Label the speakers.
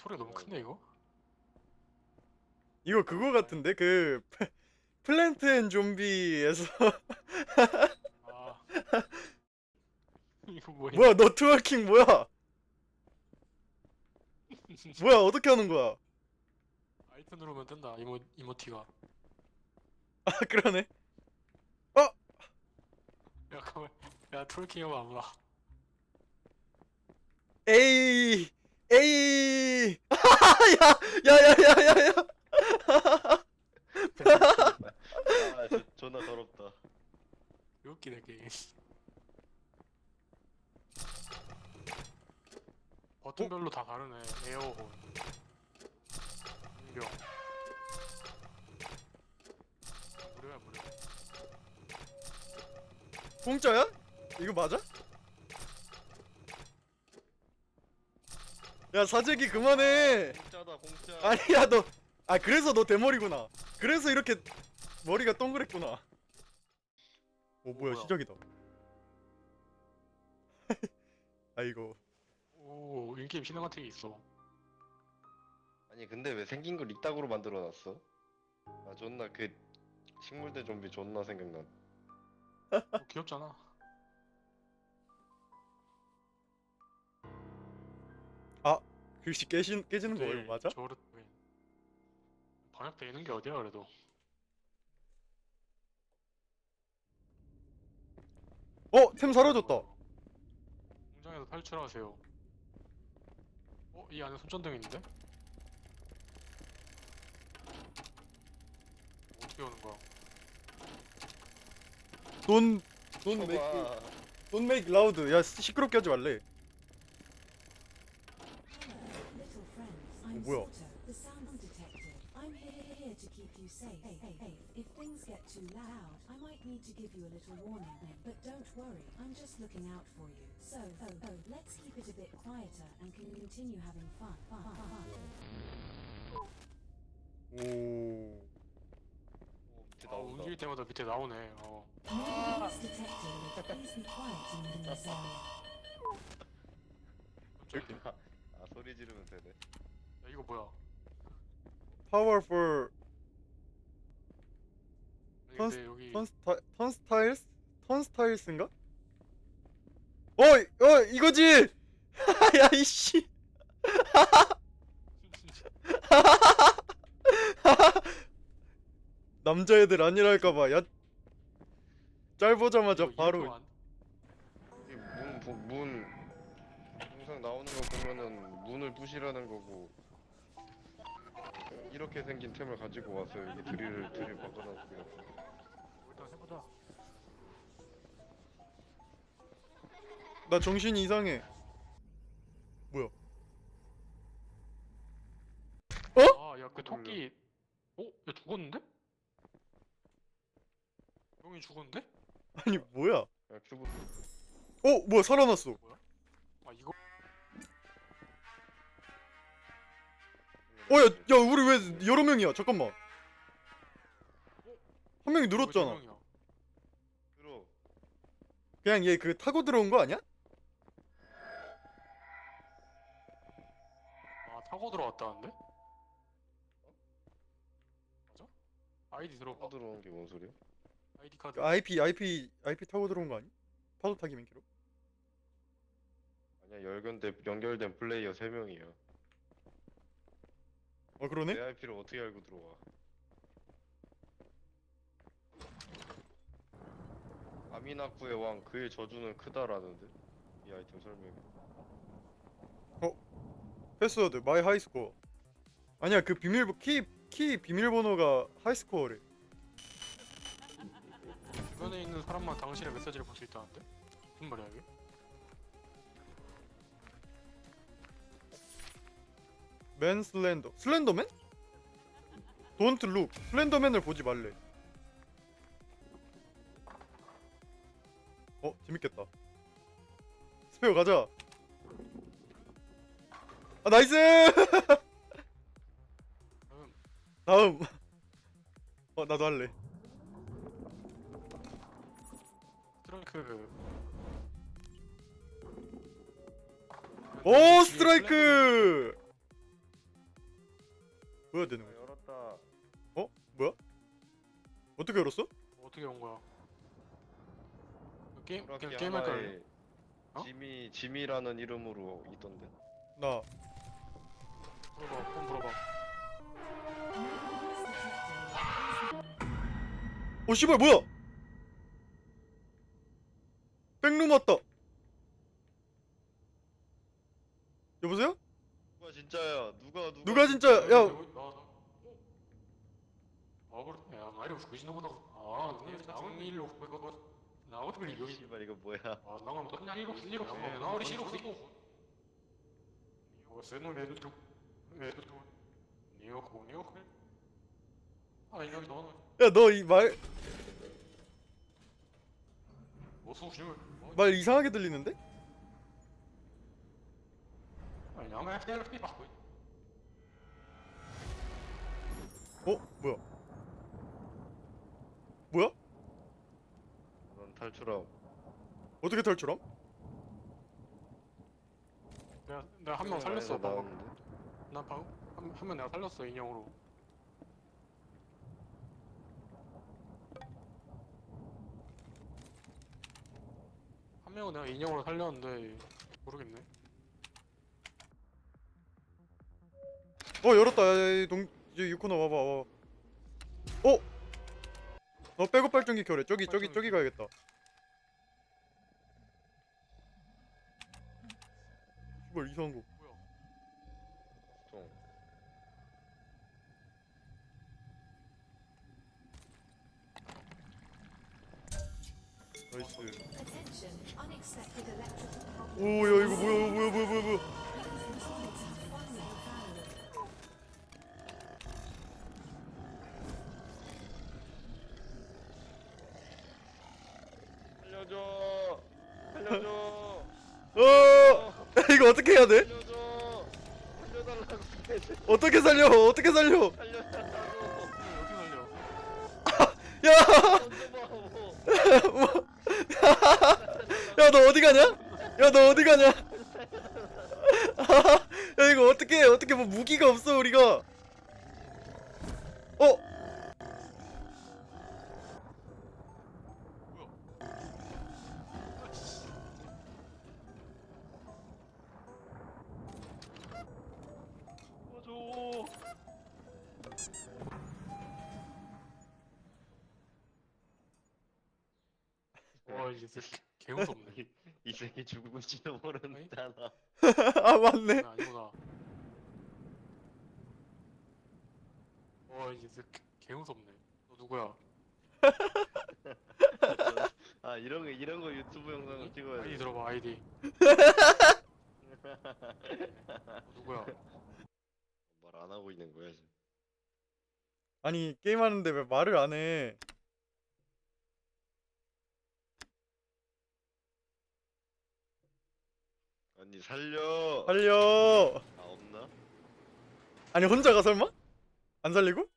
Speaker 1: 소리가 너무 큰데 이거?
Speaker 2: 이거 그거 같은데 그 플랜트 앤 좀비에서
Speaker 1: 아 이거 뭐야?
Speaker 2: 뭐야 너 트월킹 뭐야? 뭐야 어떻게 하는 거야?
Speaker 1: 알트 누르면 뜬다 이모티가.
Speaker 2: 아 그러네. 어
Speaker 1: 야 가만. 야 트월킹 하면 안 와.
Speaker 2: 에이 에이 야야야야야야
Speaker 3: 아, 존나 더럽다.
Speaker 1: 웃기네 게임. 버튼별로 다 다르네. 에어혼, 공룡, 무료야 무료.
Speaker 2: 공짜야? 이거 맞아? 야 사재기 그만해.
Speaker 3: 공짜다, 공짜.
Speaker 2: 아니야 너. 아 그래서 너 대머리구나. 그래서 이렇게 머리가 동그랬구나. 오 뭐야
Speaker 1: 뭐야?
Speaker 2: 시작이다. 아이고.
Speaker 1: 오 인게임 신화 같은 게 있어.
Speaker 3: 아니, 근데 왜 생긴 걸 이따구로 만들어놨어? 아, 존나 그 식물대 좀비 존나 생각나.
Speaker 1: 귀엽잖아.
Speaker 2: 아 글씨 깨지는 거 이거 맞아?
Speaker 1: 저를 방역돼 있는 게 어디야 그래도.
Speaker 2: 템 사라졌다.
Speaker 1: 공장에서 탈출하세요. 이 안에 손전등 있는데? 어떻게 오는 거야?
Speaker 2: 돈
Speaker 3: 쳐봐.
Speaker 2: don't make loud. 야 시끄럽게 하지 말래.
Speaker 4: Little friends, I'm
Speaker 2: 뭐야?
Speaker 4: Soto, the sound detective. I'm here to keep you safe. If things get too loud, I might need to give you a little warning. But don't worry, I'm just looking out for you. So, let's keep it a bit quieter and can continue having fun.
Speaker 2: 오.
Speaker 3: 밑에
Speaker 1: 아
Speaker 3: 나온다.
Speaker 1: 움직일 때마다 밑에 나오네.
Speaker 4: Please, detective, please be quiet in this area.
Speaker 1: 깜짝이야.
Speaker 3: 아, 소리 지르면 되네.
Speaker 1: 야 이거 뭐야?
Speaker 2: Powerful
Speaker 1: 아니, 근데 여기
Speaker 2: 턴스타일스? 턴스타일스인가? 이거지! 야 이씨 남자애들 아니랄까봐 야 짧보자마자
Speaker 1: 이거
Speaker 2: 바로
Speaker 1: 이거 안-
Speaker 3: 이게 문 항상 나오는 거 보면은 문을 부시라는 거고. 이렇게 생긴 템을 가지고 와서 여기 드릴 박아놨고요.
Speaker 1: 일단 해보자.
Speaker 2: 나 정신이 이상해. 뭐야?
Speaker 1: 아야 그 토끼. 야 죽었는데? 형이 죽었는데?
Speaker 2: 아니 뭐야?
Speaker 3: 야, 큐브.
Speaker 2: 뭐야 살아났어.
Speaker 1: 아 이거
Speaker 2: 야 우리 왜 여러 명이야? 잠깐만. 한 명이
Speaker 1: 왜
Speaker 2: 늘었잖아.
Speaker 1: 두 명이야?
Speaker 3: 들어.
Speaker 2: 그냥 얘 그 타고 들어온 거 아니야?
Speaker 1: 아 타고 들어왔다는데? 맞아? 아이디 들어봐.
Speaker 3: 들어온 게 뭔 소리야?
Speaker 1: 아이디 카드.
Speaker 2: 그 IP 타고 들어온 거 아니? 파도 타기 민키로?
Speaker 3: 아니야, 연결된 플레이어 3명이야.
Speaker 2: 그러네?
Speaker 3: 내 IP를 어떻게 알고 들어와? 아미나쿠의 왕 그의 저주는 크다라는데 이 아이템 설명이.
Speaker 2: 패스워드 마이 하이스코어. 아니야 그 키 비밀번호가 하이스코어래.
Speaker 1: 주변에 있는 사람만 당신의 메시지를 볼 수 있다는데? 무슨 말이야 이게?
Speaker 2: 맨 슬렌더맨? Don't look. 슬렌더맨을 보지 말래. 재밌겠다. 스페어 가자. 아 나이스. 다음. 나도 할래.
Speaker 1: 스트라이크.
Speaker 2: 오 스트라이크. 보여야 되는 거야.
Speaker 3: 열었다.
Speaker 2: 어? 뭐야? 어떻게 열었어?
Speaker 1: 어떻게 온 거야? 게임
Speaker 3: 오락기
Speaker 1: 그냥 게임 할까?
Speaker 3: 하나에
Speaker 1: 어?
Speaker 3: 지미라는 이름으로 있던데.
Speaker 2: 나
Speaker 1: 물어봐. 한번 물어봐.
Speaker 2: 씨발 뭐야? 백룸 왔다. 여보세요?
Speaker 3: 누가 진짜야?
Speaker 2: 누가 진짜? 야,
Speaker 1: 아 그래. 야, 말이 그지나보다. 아, 근데 나온 일로 그거 나 어떻게 이거
Speaker 3: 씨발 이거 뭐야?
Speaker 1: 아, 나가면 또 그냥 이거 일로 나 우리 싫어 이거. 이거 쓰는 애도 좀 애도 좀 니어 공이요. 아, 여기 너는
Speaker 2: 야 너 이 말
Speaker 1: 뭐 소심을
Speaker 2: 이상하게 들리는데?
Speaker 1: 아니, 나만 해야 돼. 봐.
Speaker 2: 뭐야? 뭐야?
Speaker 3: 넌 탈출함.
Speaker 2: 어떻게 탈출함?
Speaker 1: 내가 한 명 살렸어. 봐봐.
Speaker 3: 나왔는데?
Speaker 1: 나 방금 한명 내가 살렸어 인형으로. 한 명은 내가 인형으로 살렸는데 모르겠네.
Speaker 2: 열었다. 야, 이제 유코너 와봐. 너 백업 발전기 켜래. 저기 가야겠다. 뭘 이상한 거.
Speaker 1: 뭐야?
Speaker 3: 통.
Speaker 2: 나이스.
Speaker 4: Attention, unexpected electrical problem.
Speaker 2: 오, 야 이거 뭐야?
Speaker 3: 살려줘. 살려줘.
Speaker 2: 이거 어떻게 해야 돼?
Speaker 3: 살려줘. 살려달라고.
Speaker 2: 어떻게 살려?
Speaker 3: 살려달라고.
Speaker 1: 어떻게 살려?
Speaker 2: 야,
Speaker 3: 던져봐.
Speaker 2: 야 너 어디 가냐? 야 너 어디 가냐? 야 이거 어떻게 뭐 무기가 없어 우리가?
Speaker 1: 도와줘. 와, 이제 진짜 개 무섭네.
Speaker 3: 이 새끼 죽을지도 모른다나.
Speaker 2: 아 맞네.
Speaker 1: 아니구나. 와, 이제 진짜 개 무섭네. 너 누구야?
Speaker 3: 아 이런 거 유튜브 영상을 찍어야
Speaker 1: 아이디
Speaker 3: 돼.
Speaker 1: 들어봐, 아이디. 너 누구야?
Speaker 3: 말 안 하고 있는 거야 지금.
Speaker 2: 아니 게임하는데 왜 말을 안 해?
Speaker 3: 아니 살려.
Speaker 2: 살려.
Speaker 3: 아 없나?
Speaker 2: 아니 혼자가 설마? 안 살리고?